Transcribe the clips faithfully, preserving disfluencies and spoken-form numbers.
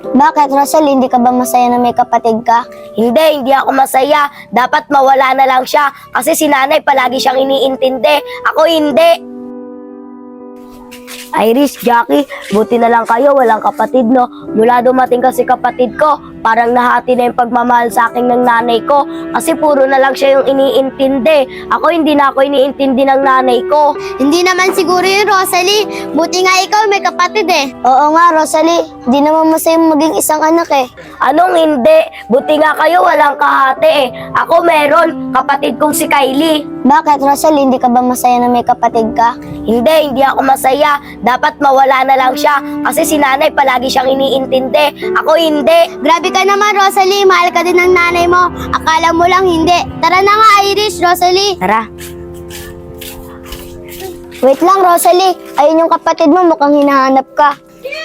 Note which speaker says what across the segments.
Speaker 1: Bakit, Rosal? Hindi ka ba masaya na may kapatid ka?
Speaker 2: Hindi, hindi ako masaya. Dapat mawala na lang siya kasi si nanay palagi siyang iniintindi. Ako hindi. Iris, Jackie, buti na lang kayo, walang kapatid, no? Mula dumating kasi kapatid ko, parang nahati na yung pagmamahal sa akin ng nanay ko. Kasi puro na lang siya yung iniintindi. Ako hindi na ako iniintindi ng nanay ko.
Speaker 1: Hindi naman siguro yun, Rosalie. Buti nga ikaw may kapatid eh. Oo nga, Rosalie. Hindi naman masaya maging isang anak eh.
Speaker 2: Anong hindi? Buti nga kayo, walang kahati eh. Ako meron, kapatid kong si Kylie.
Speaker 1: Bakit, Rosalie? Hindi ka ba masaya na may kapatid ka?
Speaker 2: Hindi, hindi ako masaya. Dapat mawala na lang siya kasi si nanay palagi siyang iniintindi. Ako hindi.
Speaker 1: Grabe ka naman, Rosalie. Mahal ka din ng nanay mo. Akala mo lang hindi. Tara na nga, Iris, Rosalie.
Speaker 2: Tara.
Speaker 1: Wait lang, Rosalie. Ayun yung kapatid mo, mukhang hinahanap ka.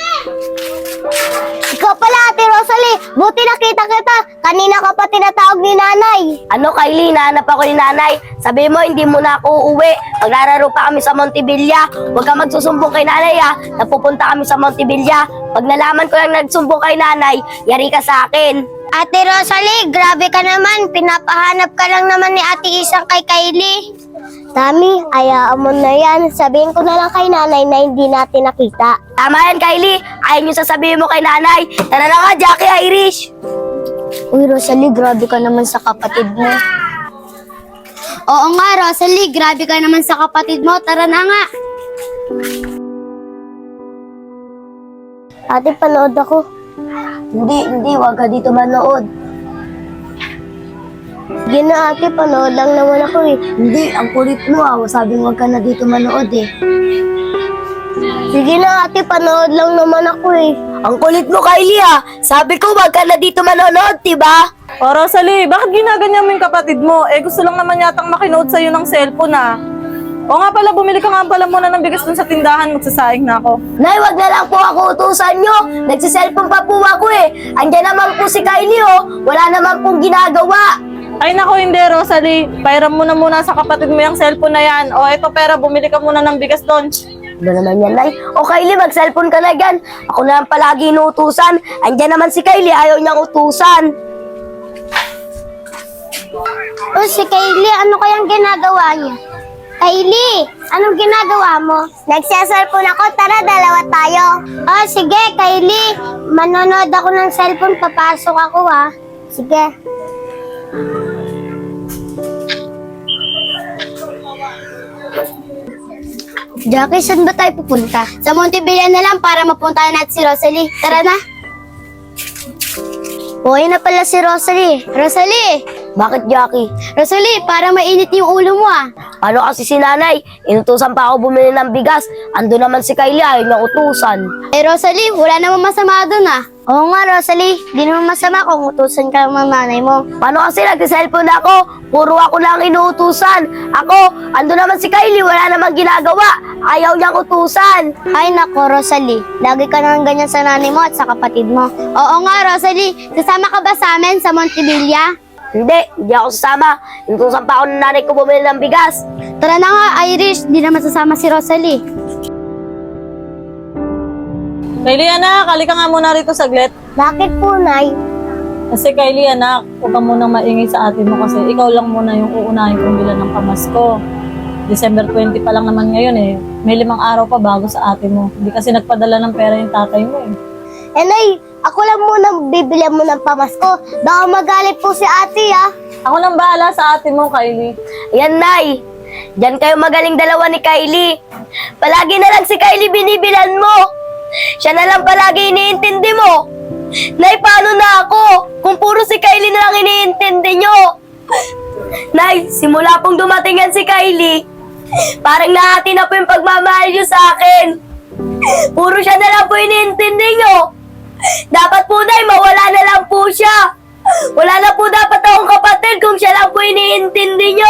Speaker 1: Ikaw pala, Ate Rosalie. Buti nakita kita. Kanina ka pa tinatawag ni nanay.
Speaker 2: Ano, Kylie? Nahanap ako ni nanay. Sabi mo, hindi mo na ako uuwi. Maglalaro pa kami sa Montevilla. Huwag ka magsusumbong kay nanay, ha. Napupunta kami sa Montevilla. Pag nalaman ko lang nagsumbong kay nanay, yari ka sa akin.
Speaker 1: Ate Rosalie, grabe ka naman. Pinapahanap ka lang naman ni Ate Isang kay Kylie. Tami, ayaan mo na yan. Sabihin ko na lang kay nanay na hindi natin nakita.
Speaker 2: Tama yan, Kylie. Ayaw yung sasabihin mo kay nanay. Tara na nga, Jackie, Irish.
Speaker 1: Uy, Rosalie, grabe ka naman sa kapatid mo. Oo nga, Rosalie, grabe ka naman sa kapatid mo. Tara na nga. Ate, panood ako.
Speaker 2: Hindi, hindi. Huwag ka dito manood.
Speaker 1: Sige na, ate, panood lang naman ako eh.
Speaker 2: Hindi, ang kulit mo, ah. Sabing huwag ka na dito manood, eh.
Speaker 1: Sige na, ate, panood lang naman ako eh.
Speaker 2: Ang kulit mo, Kylie, ah. Sabi ko, huwag ka na dito manonood, diba?
Speaker 3: O Rosalie, bakit ginaganyan mo yung kapatid mo? Eh gusto lang naman yatang makinood sa'yo ng cellphone ah. O nga pala, bumili ka nga pala muna ng bigas dun sa tindahan, magsasaing na ako.
Speaker 2: Nay, wag na lang po ako utusan nyo. Nagsiselfon pa po ako eh. Andiyan naman po si Kylie oh. Wala naman pong ginagawa.
Speaker 3: Ay nako, hindi Rosalie. Pairam mo na muna sa kapatid mo yung cellphone na yan. O eto pera, bumili ka muna ng bigas doon.
Speaker 2: Ano naman yan, Nay? O Kylie, mag-cellphone ka na dyan. Ako na lang palagi inuutusan. Andiyan naman si Kylie, ayaw niyang utusan.
Speaker 1: O si Kylie, ano kayang ginagawa niya? Kylie, anong ginagawa mo? Nagsiselfone ako, tara dalawa tayo. Oh, sige Kylie, manonood ako ng cellphone, papasok ako ha. Sige. Jackie, saan ba tayo pupunta? Sa Montevilla na lang para mapuntahan natin si Rosalie. Tara na. Buhay na pala si Rosalie. Rosalie!
Speaker 2: Bakit, Jackie?
Speaker 1: Rosalie, para mainit yung ulo mo ah.
Speaker 2: Ano kasi si nanay? Inutusan pa ako bumili ng bigas. Ando naman si Kylie, ayaw niyang utusan.
Speaker 1: Eh Rosalie, wala namang masama doon ah. Oo nga Rosalie, di naman masama kung utusan ka ng nanay mo.
Speaker 2: Paano kasi nag-cellphone ako? Puro ako lang inuutusan. Ako, ando naman si Kylie, wala namang ginagawa. Ayaw niyang utusan.
Speaker 1: Ay nako Rosalie, lagi ka nang ganyan sa nanay mo at sa kapatid mo. Oo nga Rosalie, sasama ka ba sa amin sa Montevilla?
Speaker 2: Hindi, hindi ako sasama. Inutusan pa ako ng nanay ko bumili ng bigas.
Speaker 1: Tara na nga Irish, di naman sasama si Rosalie.
Speaker 3: Kylie anak, halika nga muna rito saglit.
Speaker 1: Bakit po, Nay?
Speaker 3: Kasi Kylie anak, huwag ka munang maingay sa atin mo kasi ikaw lang muna yung uunahin kong bilan ng pamasko. December twenty pa lang naman ngayon eh. May limang araw pa bago sa atin mo. Hindi kasi nagpadala ng pera yung tatay mo eh.
Speaker 1: Eh Nay, ako lang muna bibili mo ng pamasko. Baka magalit po si ate ah.
Speaker 3: Ako lang bahala sa atin mo, Kylie.
Speaker 2: Ayan, Nay. Diyan kayo magaling dalawa ni Kylie. Palagi na lang si Kylie binibilan mo. Siya na lang palagi iniintindi mo. Nay, paano na ako? Kung puro si Kylie na lang iniintindi nyo. Nay, simula pong dumating yan si Kylie, parang nahati na po yung pagmamahal nyo sa akin. Puro siya na lang po iniintindi nyo. Dapat po, Nay, mawala na lang po siya. Wala na po dapat akong kapatid kung siya lang po iniintindi nyo.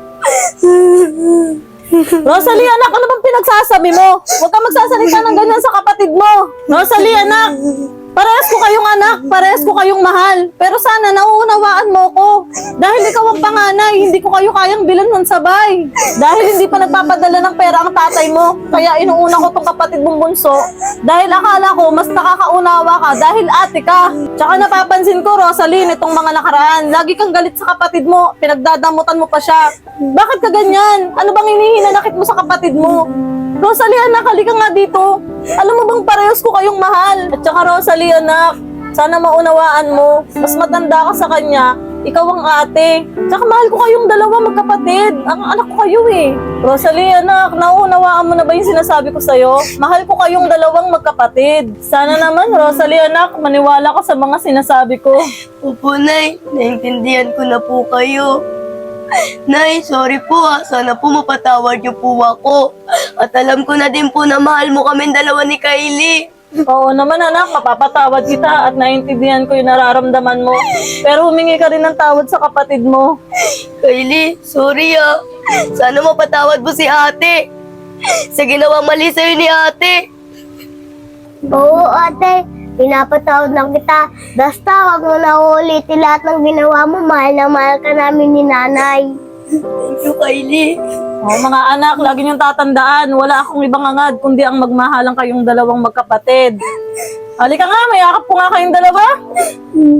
Speaker 3: Rosalie anak, ano bang pinagsasabi mo? Huwag ka magsasalita ng ganyan sa kapatid mo. Rosalie anak! Parehas ko kayong anak, parehas ko kayong mahal. Pero sana nauunawaan mo ko. Dahil ikaw ang panganay, hindi ko kayo kayang bilan ng sabay. Dahil hindi pa nagpapadala ng pera ang tatay mo. Kaya inuuna ko tong kapatid mong bunso. Dahil akala ko mas nakakaunawa ka dahil ate ka. Tsaka napapansin ko, Rosaline, itong mga nakaraan. Lagi kang galit sa kapatid mo. Pinagdadamutan mo pa siya. Bakit ka ganyan? Ano bang hinihinanakit mo sa kapatid mo? Rosalie, anak, halika nga dito. Alam mo bang parehas ko kayong mahal? At saka Rosalie, anak, sana maunawaan mo. Mas matanda ka sa kanya, ikaw ang ate. Tsaka mahal ko kayong dalawa magkapatid. Ang anak ko kayo eh. Rosalie, anak, nauunawaan mo na ba yung sinasabi ko sa'yo? Mahal ko kayong dalawang magkapatid. Sana naman, Rosalie, anak, maniwala ka sa mga sinasabi ko.
Speaker 2: Opo, Nay. Naintindihan ko na po kayo. Nay, sorry po ha. Sana po mapatawad niyo po ako. At alam ko na din po na mahal mo kami dalawa ni Kylie.
Speaker 3: Oo naman anak, mapapatawad kita at naiintindihan ko yung nararamdaman mo. Pero humingi ka rin ng tawad sa kapatid mo.
Speaker 2: Kylie, sorry ah. Sana mapatawad mo si ate. Sa ginawang mali sa'yo ni ate.
Speaker 1: Oo, ate. Pinapatawad lang kita. Basta wag mo na uulitin lahat ng ginawa mo. Mahal na mahal ka namin ni nanay.
Speaker 2: Thank you, Kylie.
Speaker 3: Oh, mga anak, lagi niyong tatandaan, wala akong ibang angad kundi ang magmahalang kayong dalawang magkapatid. Halika nga, mayakap ko nga kayong dalawa.